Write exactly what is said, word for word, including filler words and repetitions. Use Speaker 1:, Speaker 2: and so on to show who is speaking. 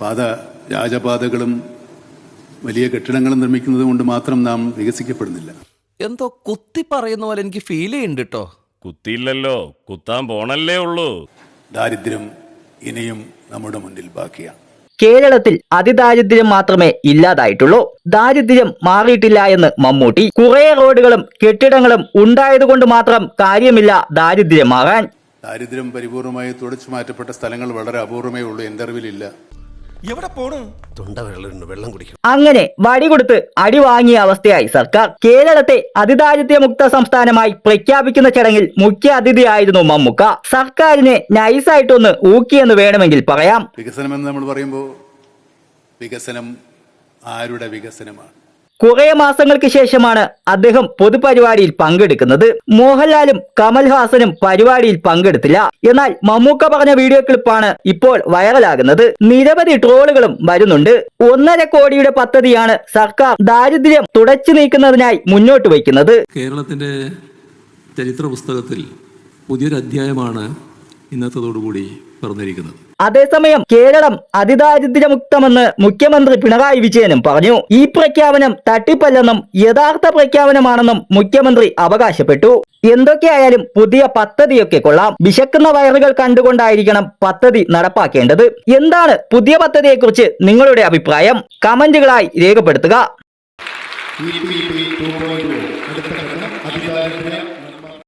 Speaker 1: പാത രാജപാതകളും വലിയ കെട്ടിടങ്ങളും നിർമ്മിക്കുന്നത് കൊണ്ട് മാത്രം നാം വികസിക്കപ്പെടുന്നില്ല.
Speaker 2: എന്തോ കുത്തി പറയുന്ന പോലെ എനിക്ക് ഫീൽ ചെയ്യുന്നുണ്ട് കേട്ടോ.
Speaker 3: കുത്തിയില്ലല്ലോ, കുത്താൻ പോണല്ലേ ഉള്ളൂ.
Speaker 1: ദാരിദ്ര്യം ഇനിയും നമ്മുടെ മുന്നിൽ ബാക്കിയാണ്.
Speaker 4: കേരളത്തിൽ അതിദാരിദ്ര്യം മാത്രമേ ഇല്ലാതായിട്ടുള്ളൂ, ദാരിദ്ര്യം മാറിയിട്ടില്ല എന്ന് മമ്മൂട്ടി. കുറെ റോഡുകളും കെട്ടിടങ്ങളും ഉണ്ടായതുകൊണ്ട് മാത്രം കാര്യമില്ല ദാരിദ്ര്യം മാറാൻ.
Speaker 1: ദാരിദ്ര്യം പരിപൂർണമായി തുടച്ചു മാറ്റപ്പെട്ട സ്ഥലങ്ങൾ വളരെ അപൂർവമേ ഉള്ളൂ, എന്റെ അറിവിലില്ല.
Speaker 2: എവിടെ പോണു?
Speaker 5: വെള്ളം കുടിക്കും.
Speaker 4: അങ്ങനെ വടി കൊടുത്ത് അടി വാങ്ങിയ അവസ്ഥയായി സർക്കാർ. കേരളത്തെ അതിദാരിദ്ര്യമുക്ത സംസ്ഥാനമായി പ്രഖ്യാപിക്കുന്ന ചടങ്ങിൽ മുഖ്യ അതിഥിയായിരുന്നു മമ്മൂക്ക. സർക്കാരിനെ നൈസായിട്ടൊന്ന് ഊക്കിയെന്ന് വേണമെങ്കിൽ പറയാം.
Speaker 1: വികസനം എന്ന് നമ്മൾ പറയുമ്പോൾ വികസനം ആരുടെ വികസനമാണ്?
Speaker 4: കുറെ മാസങ്ങൾക്ക് ശേഷമാണ് അദ്ദേഹം പൊതുപരിപാടിയിൽ പങ്കെടുക്കുന്നത്. മോഹൻലാലും കമൽഹാസനും പരിപാടിയിൽ പങ്കെടുത്തില്ല. എന്നാൽ മമ്മൂക്ക പറഞ്ഞ വീഡിയോ ക്ലിപ്പാണ് ഇപ്പോൾ വൈറലാകുന്നത്. നിരവധി ട്രോളുകളും വരുന്നുണ്ട്. ഒന്നര കോടിയുടെ പദ്ധതിയാണ് സർക്കാർ ദാരിദ്ര്യം തുടച്ചു നീക്കുന്നതിനായി മുന്നോട്ട് വയ്ക്കുന്നത്.
Speaker 6: കേരളത്തിന്റെ ചരിത്ര പുസ്തകത്തിൽ പുതിയൊരു അധ്യായമാണ് ഇന്നത്തോടുകൂടി പറഞ്ഞിരിക്കുന്നത്.
Speaker 4: അതേസമയം കേരളം അതിദാരിദ്ര്യമുക്തമെന്ന് മുഖ്യമന്ത്രി പിണറായി വിജയനും പറഞ്ഞു. ഈ പ്രഖ്യാപനം തട്ടിപ്പല്ലെന്നും യഥാർത്ഥ പ്രഖ്യാപനമാണെന്നും മുഖ്യമന്ത്രി അവകാശപ്പെട്ടു. എന്തൊക്കെയായാലും പുതിയ പദ്ധതിയൊക്കെ കൊള്ളാം. വിശക്കുന്ന വയറുകൾ കണ്ടുകൊണ്ടായിരിക്കണം പദ്ധതി നടപ്പാക്കേണ്ടത്. എന്താണ് പുതിയ പദ്ധതിയെക്കുറിച്ച് നിങ്ങളുടെ അഭിപ്രായം? കമന്റുകളായി രേഖപ്പെടുത്തുക.